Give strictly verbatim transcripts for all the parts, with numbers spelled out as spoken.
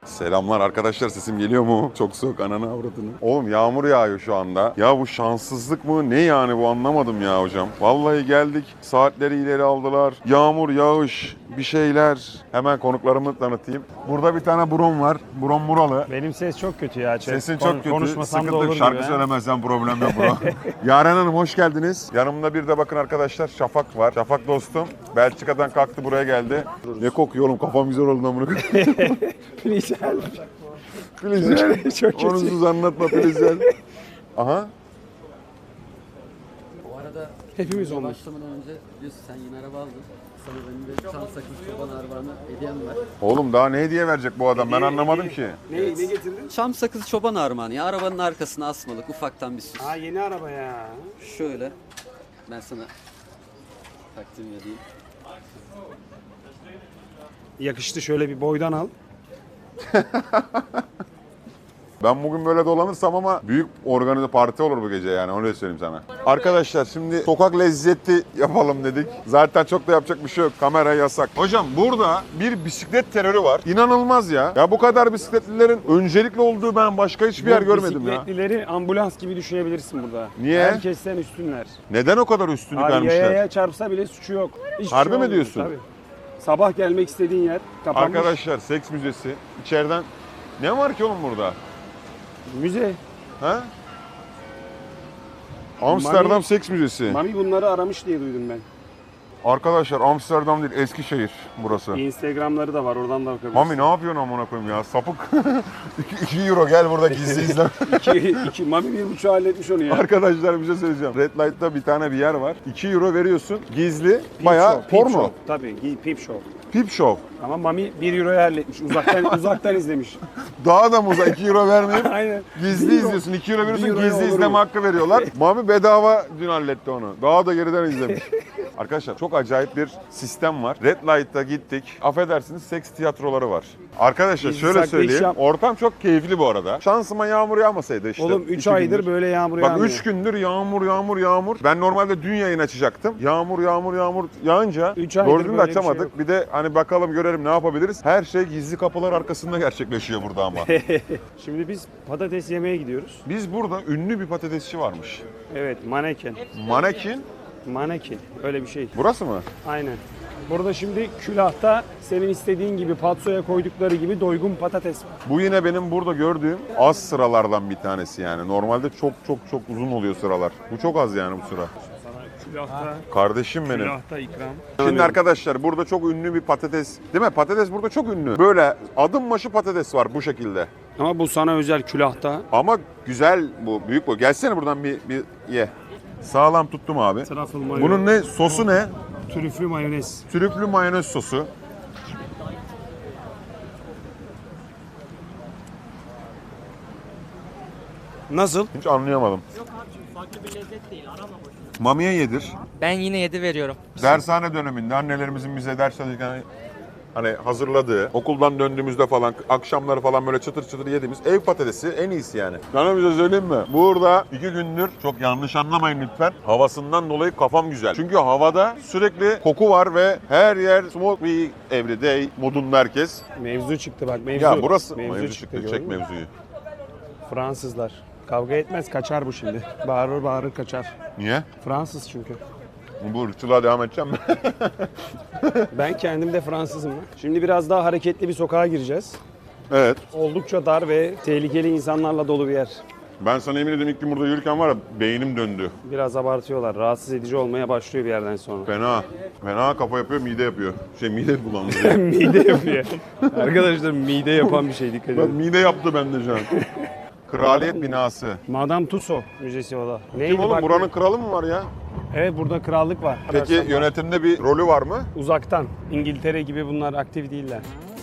Selamlar arkadaşlar, sesim geliyor mu? Çok soğuk, ananı avradını. Oğlum yağmur yağıyor şu anda. Ya bu şanssızlık mı? Ne yani bu, anlamadım ya hocam. Vallahi geldik, saatleri ileri aldılar. Yağmur, yağış, bir şeyler. Hemen konuklarımı tanıtayım. Burada bir tane Brom var. Brom Muralı. Benim ses çok kötü ya. Chat. Sesin Kon- çok kötü. Konuşmasam Sıkıntı da yok. olur Şarkı gibi. söylemezsen problem yok bro. Yaren Hanım hoş geldiniz. Yanımda bir de bakın arkadaşlar Şafak var. Şafak dostum. Belçika'dan kalktı, buraya geldi. Ne kokuyor oğlum, kafam güzel oldu lan bunu. Güzel. Filizler. Çok kötü. Onunsuz anlatma Filizler. Aha. Bu arada Hepimiz olmuş. başlamadan önce biliyorsun sen yeni araba aldın. Sana benim de çam sakız çoban armağanı hediyem var. Oğlum daha ne hediye verecek bu adam, ben anlamadım ki. Ne, ne getirdin? Çam sakız çoban armağanı ya. Arabanın arkasına asmalık ufaktan bir süs. Ha, yeni araba ya. Şöyle ben sana takdim edeyim. Yakıştı, şöyle bir boydan al. Ben bugün böyle dolanırsam ama büyük organize parti olur bu gece, yani öyle söyleyeyim sana. Arkadaşlar şimdi sokak lezzeti yapalım dedik. Zaten çok da yapacak bir şey yok. Kamera yasak. Hocam burada bir bisiklet terörü var. İnanılmaz ya. Ya bu kadar bisikletlilerin öncelikli olduğu ben başka hiçbir yer görmedim ya. Bisikletlileri ambulans gibi düşünebilirsin burada. Niye? Herkesten üstünler. Neden o kadar üstünlük Abi vermişler? yayaya çarpsa bile suçu yok. Hiçbir Harbi şey mi olmuyor, diyorsun? Tabii. Sabah gelmek istediğin yer kapanmış. Arkadaşlar seks müzesi. İçeriden ne var ki oğlum burada? Müze. Ha? Amsterdam Mami- Seks Müzesi. Mami bunları aramış diye duydum ben. Arkadaşlar Amsterdam değil, Eskişehir burası. Instagramları da var, oradan da bakabilirsin. Mami ne yapıyorsun amına koyayım ya, sapık. iki euro gel burada gizli izle. iki, iki, Mami bir buçuğu halletmiş onu ya. Arkadaşlar bir şey söyleyeceğim. Red Light'ta bir tane bir yer var. iki euro veriyorsun, gizli, Peep bayağı show, peep porno. show. Tabii, peep show. Peep show. Ama Mami bir euroya halletmiş. Uzaktan uzaktan izlemiş. Daha da muza iki euro vermeyip Aynen. gizli Bir euro- izliyorsun. iki euro veriyorsun, bir euroya gizli olur izleme mu? hakkı veriyorlar. Mami bedava dün halletti onu. Daha da geriden izlemiş. Arkadaşlar çok acayip bir sistem var. Red Light'ta gittik. Affedersiniz, seks tiyatroları var. Arkadaşlar Biz şöyle uzakta iş söyleyeyim. yap- Ortam çok keyifli bu arada. Şansıma yağmur yağmasaydı işte. Oğlum üç iki aydır gündür. böyle yağmur Bak yağmıyor. üç gündür yağmur yağmur yağmur. Ben normalde dün yayın açacaktım. Yağmur yağmur yağmur yağınca Üç aydır doğru düzgün de böyle bir şey açamadık. yok. Bir de hani bakalım görelim ne yapabiliriz. Her şey gizli kapılar arkasında gerçekleşiyor burada ama. Şimdi biz patates yemeye gidiyoruz. Biz burada ünlü bir patatesçi varmış. Evet, maneken. Manekin. Manekin. Öyle bir şey. Burası mı? Aynen. Burada şimdi külahta senin istediğin gibi patsoya koydukları gibi doygun patates var. Bu yine benim burada gördüğüm az sıralardan bir tanesi yani. Normalde çok çok çok uzun oluyor sıralar. Bu çok az yani bu sıra. Külahta, Kardeşim benim. külahta ikram. Şimdi arkadaşlar burada çok ünlü bir patates, değil mi? Patates burada çok ünlü. Böyle adım başı patates var bu şekilde. Ama bu sana özel külahta. Ama güzel bu, büyük bu. Gelsene buradan bir, bir ye. Sağlam tuttum abi. Truffle mayonez. Bunun ne? Sosu ne? Trüflü mayonez. Trüflü mayonez sosu. Nasıl? Hiç anlayamadım. Mamiye yedir. Ben yine yedi veriyorum. Dershane döneminde annelerimizin bize ders çalışırken hani hazırladığı, okuldan döndüğümüzde falan, akşamları falan böyle çıtır çıtır yediğimiz ev patatesi en iyisi yani. Sana bir şey söyleyeyim mi? Burada iki gündür, çok yanlış anlamayın lütfen, havasından dolayı kafam güzel. Çünkü havada sürekli koku var ve her yer smoke we every day modunda herkes. Mevzu çıktı bak, mevzu. Ya burası mevzu, mevzu çıktı, çıktı, gördün çek mü? mevzuyu. Fransızlar. Kavga etmez, kaçar bu şimdi. Bağırır bağırır kaçar. Niye? Fransız çünkü. Bu ırkçılığa devam edeceğim mi? Ben kendim de Fransızım. Şimdi biraz daha hareketli bir sokağa gireceğiz. Evet. Oldukça dar ve tehlikeli insanlarla dolu bir yer. Ben sana emin ediyorum, ilk gün burada yürürken var ya, beynim döndü. Biraz abartıyorlar. Rahatsız edici olmaya başlıyor bir yerden sonra. Fena. Fena kafa yapıyor, mide yapıyor. Şey mide bulandırıyor. Mide yapıyor. Arkadaşlar mide yapan bir şey, dikkat Bak edin. mide yaptı bende şu an. Kraliyet binası. Madame Tussauds Müzesi o da. Neydi Kim oğlum, bak- buranın kralı mı var ya? Evet, burada krallık var. Peki Ararsan bak. yönetimde bir rolü var mı? Uzaktan. İngiltere gibi bunlar aktif değiller.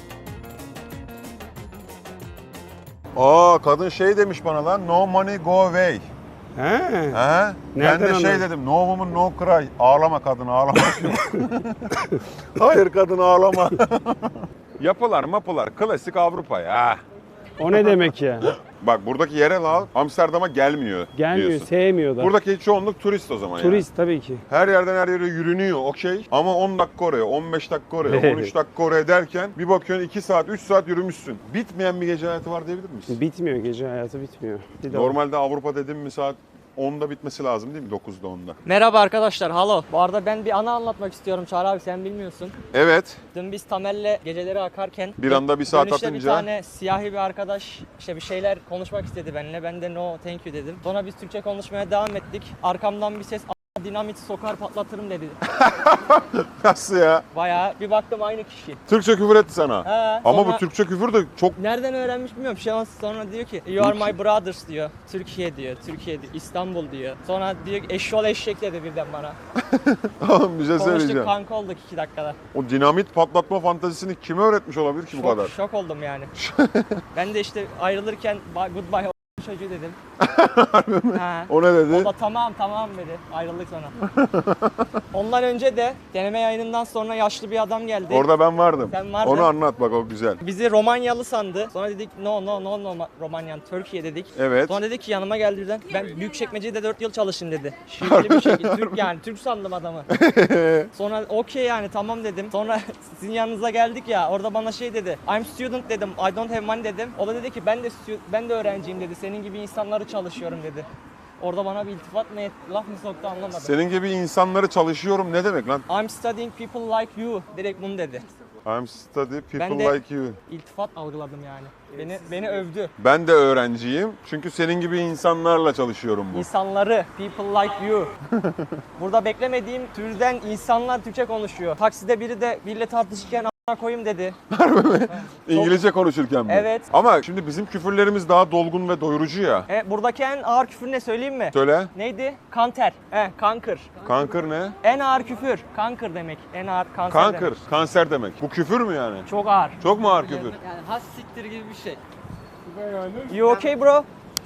Aa, kadın şey demiş bana lan, no money go away. He. He? Ben Nereden de şey anladın? dedim, no woman no cry. Ağlama kadın, ağlama. Hayır kadın, ağlama. Yapılar mapılar klasik Avrupa ya. O ne demek ya? Bak buradaki yerel halk Amsterdam'a gelmiyor Gelmiyor, diyorsun. sevmiyor da. Buradaki çoğunluk turist o zaman yani. Turist tabii ki. Her yerden her yere yürünüyor okey. Ama on dakika oraya, on beş dakika oraya, on üç dakika oraya derken bir bakıyorsun iki saat, üç saat yürümüşsün. Bitmeyen bir gece hayatı var diyebilir miyiz? Bitmiyor, gece hayatı bitmiyor. Bir de o. Normalde Avrupa dedim mi saat onda bitmesi lazım değil mi? dokuzda onda. Merhaba arkadaşlar, halo. Bu arada ben bir anı anlatmak istiyorum Çağrı abi, sen bilmiyorsun. Evet. Dün biz Tamer'le geceleri akarken Bir anda bir saat dönüşte atınca- bir tane siyahi bir arkadaş işte bir şeyler konuşmak istedi benimle. Ben de no thank you dedim. Sonra biz Türkçe konuşmaya devam ettik. Arkamdan bir ses "A- dinamit sokar patlatırım" dedi. Nasıl ya? Bayağı bir baktım aynı kişi. Türkçe küfür etti sana. He, Ama sonra- bu Türkçe küfür de çok... Nereden öğrenmiş bilmiyorum. Şey sonra diyor ki you are my brothers diyor. Türkiye diyor. Türkiye diyor. İstanbul diyor. Sonra diyor ki eşşoğlu eşek dedi birden bana. Oğlum bir şey Konuştuk, söyleyeceğim. kanka olduk iki dakikada. O dinamit patlatma fantezisini kime öğretmiş olabilir ki bu Şok, kadar? şok oldum yani. Ben de işte ayrılırken "Bye- goodbye o- çocuğu dedim. Ha. O ne dedi? O da tamam tamam dedi. Ayrıldık sonra. Ondan önce de deneme yayınından sonra yaşlı bir adam geldi. Orada ben vardım. Sen vardın. Onu anlat bak o güzel. Bizi Romanyalı sandı. Sonra dedik no no no no Romanyan Türkiye dedik. Evet. Sonra dedi ki yanıma geldi birden. Ben Büyükçekmece'de dört yıl çalıştım dedi. Şiveli bir şekilde Türk yani Türk sandım adamı. Sonra okey yani tamam dedim. Sonra sizin yanınıza geldik ya orada bana şey dedi. I'm student dedim. I don't have money dedim. O da dedi ki ben de stu- ben de öğrenciyim dedi. Senin gibi insanları çalışıyorum dedi. Orada bana bir iltifat mı etti, laf mı soktu anlamadım. Senin gibi insanları çalışıyorum ne demek lan? I'm studying people like you. Direkt bunu dedi. I'm study people Ben de- like you. İltifat algıladım yani. Beni beni övdü. Ben de öğrenciyim. Çünkü senin gibi insanlarla çalışıyorum bu. İnsanları, people like you. Burada beklemediğim türden insanlar Türkçe konuşuyor. Takside biri de biriyle tartışırken a**ına koyayım dedi. İngilizce konuşurken mi? Evet. Ama şimdi bizim küfürlerimiz daha dolgun ve doyurucu ya. E, buradaki en ağır küfür ne söyleyeyim mi? Söyle. Neydi? Kanter. He, kankır. Kankır ne? En ağır küfür. Kankır demek. En ağır kanser Kankır. demek. Kanser demek. Bu küfür mü yani? Çok ağır. Çok mu ağır küfür? Yani has siktir gibi bir şey. You okay bro?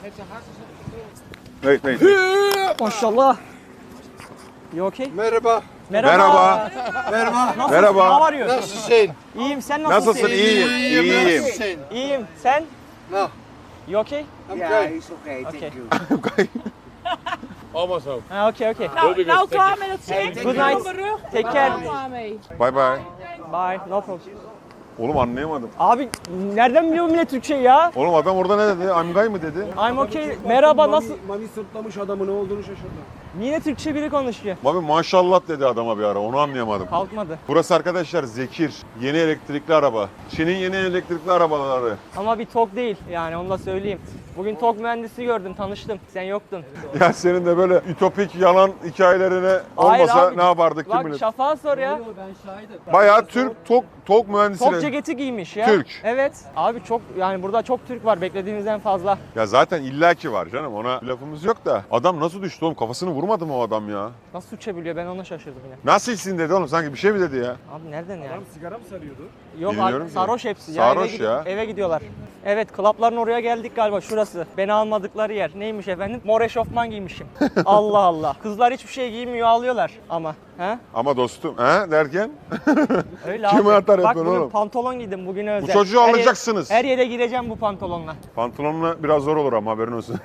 Wait, wait. wait. Maşallah. You okay? Merhaba. Merhaba. Merhaba. Merhaba. Nasılsın? Merhaba. How are you? Nasılsın? İyiyim. Sen nasılsın? Nasılsın? İyiyim. İyiyim. Nasılsın? İyiyim. Sen? No, You okay? I'm Yeah, good. it's okay. Okay. Thank you. Almost home. Ha, okay, okay. Nou, nou klaar met het zingen. Good night. Take care. Klaar mee. Bye bye. Bye. No problem. Oğlum anlayamadım. Abi nereden biliyor millet Türkçe ya? Oğlum adam orada ne dedi? I'm gay mı dedi? I'm okay. Merhaba nasıl? Mami, Mami sırtlamış adamı, ne olduğunu şaşırdı. Yine Türkçe biri konuşuyor. Abi maşallah dedi adama bir ara. Onu anlayamadım. Kalkmadı. Burası arkadaşlar Zekir. Yeni elektrikli araba. Çin'in yeni elektrikli arabaları. Ama bir TOG değil yani onu da söyleyeyim. Bugün TOG mühendisi gördüm, tanıştım. Sen yoktun. Ya senin de böyle ütopik yalan hikayelerine Hayır olmasa abi. ne yapardık kim Bak bilir. Şafak'a sor ya. Ben şahidim. Bayağı Türk TOG, TOG mühendisi. TOG ceketi giymiş ya. Türk. Evet. Abi çok yani burada çok Türk var beklediğimizden fazla. Ya zaten illaki var canım, ona lafımız yok da. Adam nasıl düştü oğlum? Kafasını vurmadı mı o adam ya? Nasıl Türkçe biliyor ben ona şaşırdım yine. Nasılsın dedi oğlum, sanki bir şey mi dedi ya? Abi nereden ya? Adam sigara mı sarıyordu? Yok Bilmiyorum abi ki. sarhoş hepsi. Sarhoş eve, gidi- ya. eve gidiyorlar. Evet klapların oraya geldik galiba şurası. Beni almadıkları yer. Neymiş efendim? Mor eşofman giymişim. Allah Allah. Kızlar hiçbir şey giymiyor ağlıyorlar ama. He? Ama dostum he derken Öyle Kime abi. atar Bak yapıyorsun bugün oğlum? pantolon giydim bugün özel. bu çocuğu Her yere- alacaksınız. Her yere gireceğim bu pantolonla. Pantolonla biraz zor olur ama haberin olsun.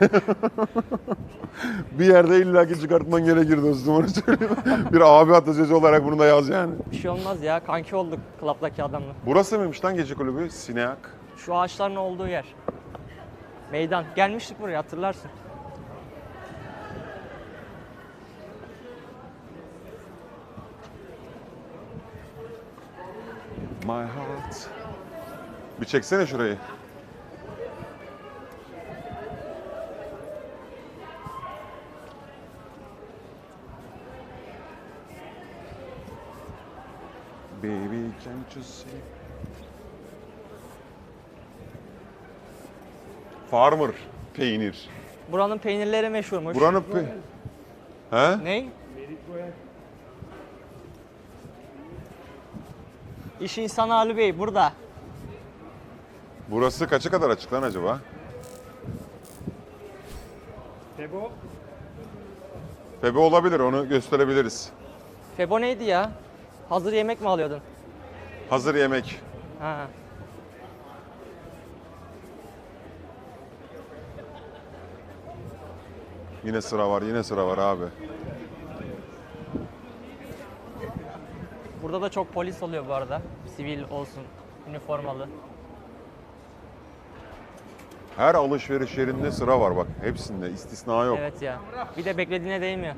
Bir yerde illaki çıkartman gerekir dostum, onu söyleyeyim. Bir abi atasözü olarak bunu da yaz yani. Bir şey olmaz ya kanki olduk klaptaki adamla. Burası mıymış lan gece kulübü? Sineak. Şu ağaçların olduğu yer. Meydan. Gelmiştik buraya hatırlarsın. My heart. Bir çeksene şurayı. Baby can't you see? Farmer peynir. Buranın peynirleri meşhurmuş. Buranın pe... He? Ne? İş insanı Ali Bey burada. Burası kaça kadar açık lan acaba? Tebo. Febe olabilir, onu gösterebiliriz. Febo neydi ya? Hazır yemek mi alıyordun? Hazır yemek. Ha. Yine sıra var, yine sıra var abi. Burada da çok polis oluyor bu arada. Sivil olsun, üniformalı. Her alışveriş yerinde sıra var bak. Hepsinde istisna yok. Evet ya. Bir de beklediğine değmiyor.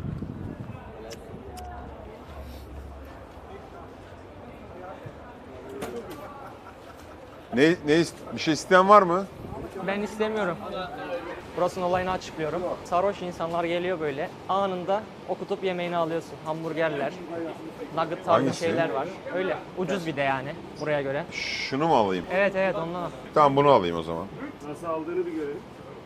Ne, ne ist- bir şey isteyen var mı? Ben istemiyorum. Burasının olayını açıklıyorum. Sarhoş insanlar geliyor böyle. Anında okutup yemeğini alıyorsun. Hamburgerler, nugget tarzı Hangisi? şeyler var. Öyle. Ucuz bir de yani buraya göre. Şunu mu alayım? Evet evet ondan. Tamam bunu alayım o zaman. Nasıl aldığını bir görelim.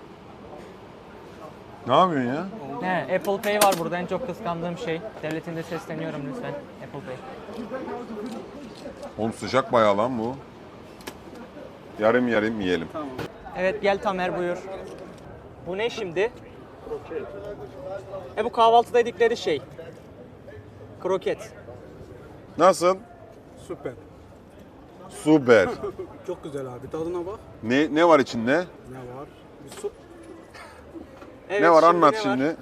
Ne yapıyorsun ya? He, Apple Pay var burada en çok kıskandığım şey. Devletinde sesleniyorum lütfen. Apple Pay. Oğlum sıcak bayağı lan bu. Yarım yarım yiyelim. Evet gel Tamer buyur. Bu ne şimdi? E bu kahvaltıda yedikleri şey. Kroket. Nasıl? Süper. Süper. Çok güzel abi. Tadına bak. Ne ne var içinde? Ne var? Bir su. Evet, ne var anlat ne var? şimdi.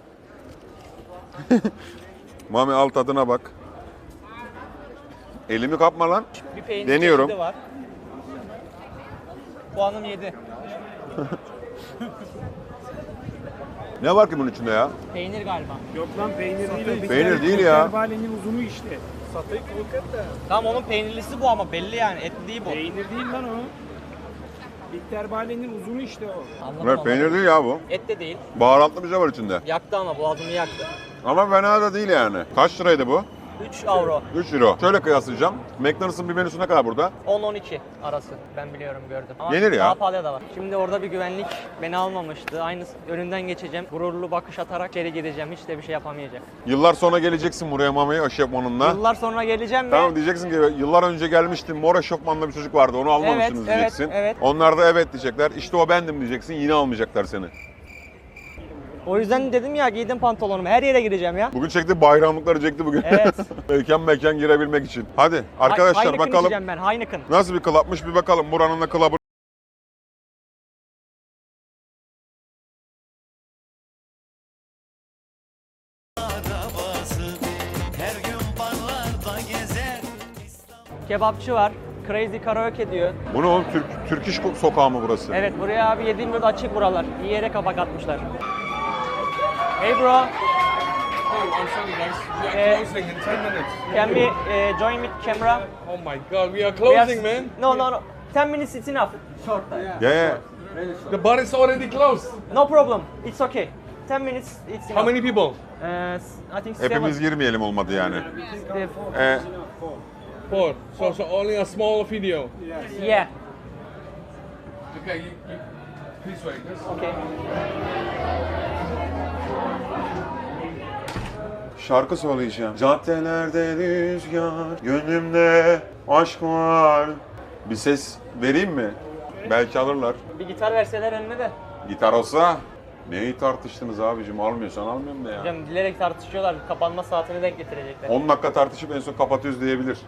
Mami al tadına bak. Elimi kapma lan. Bir peynir Deniyorum. çeşidi var. Puanım yedi. Ne var ki bunun içinde ya? Peynir galiba. Yok lan peynir değil. o. Peynir değil ya. Biterbanenin uzunu işte. Satayı kroket de. Tamam onun peynirlisi bu ama belli yani etli değil bu. Peynir değil lan o. Biterbanenin uzunu işte o. Anladım, Evet, peynir anladım. değil ya bu. Et de değil. Baharatlı bir şey var içinde. Yaktı ama boğazımı yaktı. Ama fena da değil yani. Kaç liraydı bu? üç avro. üç euro. Şöyle kıyaslayacağım. McDonald's'ın bir menüsü ne kadar burada? on on iki arası. Ben biliyorum gördüm. Ama Yenir ya. daha pahalı da var. Şimdi orada bir güvenlik beni almamıştı. Aynı önünden geçeceğim. Gururlu bakış atarak içeri gideceğim. Hiç de bir şey yapamayacak. Yıllar sonra geleceksin buraya Mami'ye eşofmanınla. Yıllar sonra geleceğim ve Tamam diyeceksin ki yıllar önce gelmiştim mor eşofmanlı bir çocuk vardı onu almamışsınız Evet, evet, diyeceksin. evet. Onlar da evet diyecekler. İşte o bendim diyeceksin yine almayacaklar seni. o yüzden dedim ya giydim pantolonumu. Her yere gireceğim ya. Bugün çekti bayramlıkları çekti bugün. Evet. mekan mekan girebilmek için. Hadi arkadaşlar Heineken bakalım içeceğim ben Heineken. nasıl bir klapmış bir bakalım buranın da klabı. Kebapçı var. Crazy Karaoke diyor. Bu ne oğlum Türk, Türk iş sokağı mı burası? Evet buraya abi yedi yirmi dört açık buralar. İyi yere kapak atmışlar. Hey bro. Oh, I'm sorry, guys. We are Eh, closing in ten minutes. Can we uh, join with camera? Oh my god, we are We are- closing, man. No no no. ten minutes is enough. Short. Ya ya. The bar is already closed. No problem. It's okay. ten minutes it's enough. How many people? Uh, I think seven. Hepimiz girmeyelim olmadı yani. The- Ee, Four. So, so only a small video. Yeah. Okay, you, you, please wait. This. Okay. şarkı söyleyeceğim. Caddelerde rüzgar, gönlümde aşk var. Bir ses vereyim mi? Belki alırlar. Bir gitar verseler önüme de. Gitar olsa neyi tartıştınız abicim? Almıyorsan almıyorum da ya. Hocam bilerek tartışıyorlar. Kapanma saatini denk getirecekler. on dakika tartışıp en son kapatıyoruz diyebilir.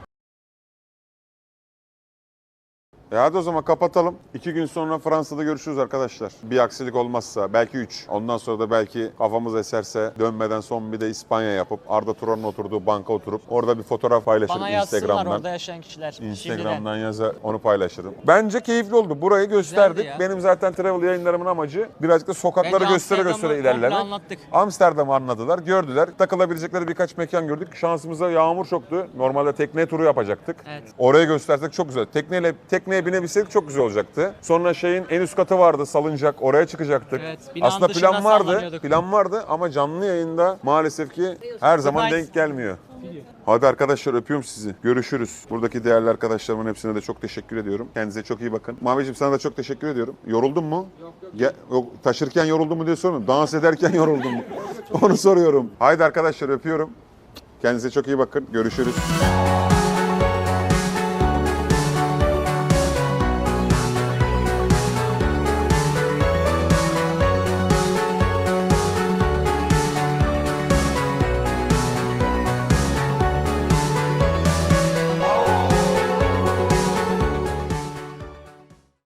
E hadi o zaman kapatalım. İki gün sonra Fransa'da görüşürüz arkadaşlar. Bir aksilik olmazsa belki üç. Ondan sonra da belki kafamız eserse dönmeden son bir de İspanya yapıp Arda Turan'ın oturduğu banka oturup orada bir fotoğraf paylaşırım Bana yazsınlar Instagram'dan. orada yaşayan kişiler. Şimdiden. Instagram'dan yaza onu paylaşırım. Bence keyifli oldu. Burayı gösterdik. Güzeldi ya. Benim zaten travel yayınlarımın amacı birazcık da sokakları Bence göstere göstere Amsterdam'ı komple ilerlemek. anlattık. Amsterdam'ı anladılar, gördüler. Takılabilecekleri birkaç mekan gördük. Şansımıza yağmur çoktu. Normalde tekne turu yapacaktık. Evet. Oraya göstersek çok güzel. Tekneyle tekneye binebilsek çok güzel olacaktı. Sonra şeyin en üst katı vardı, salıncak. Oraya çıkacaktık. Evet, binanın Aslında dışında plan vardı. sallanıyorduk. Plan vardı ama canlı yayında maalesef ki her zaman Nice. denk gelmiyor. Hadi arkadaşlar öpüyorum sizi. Görüşürüz. Buradaki değerli arkadaşlarımın hepsine de çok teşekkür ediyorum. Kendinize çok iyi bakın. Maviciğim sana da çok teşekkür ediyorum. Yoruldun mu? Yok yok. yok taşırken yoruldun mu diye sormuyorum. Dans ederken yoruldun mu? Onu soruyorum. Haydi arkadaşlar öpüyorum. Kendinize çok iyi bakın. Görüşürüz.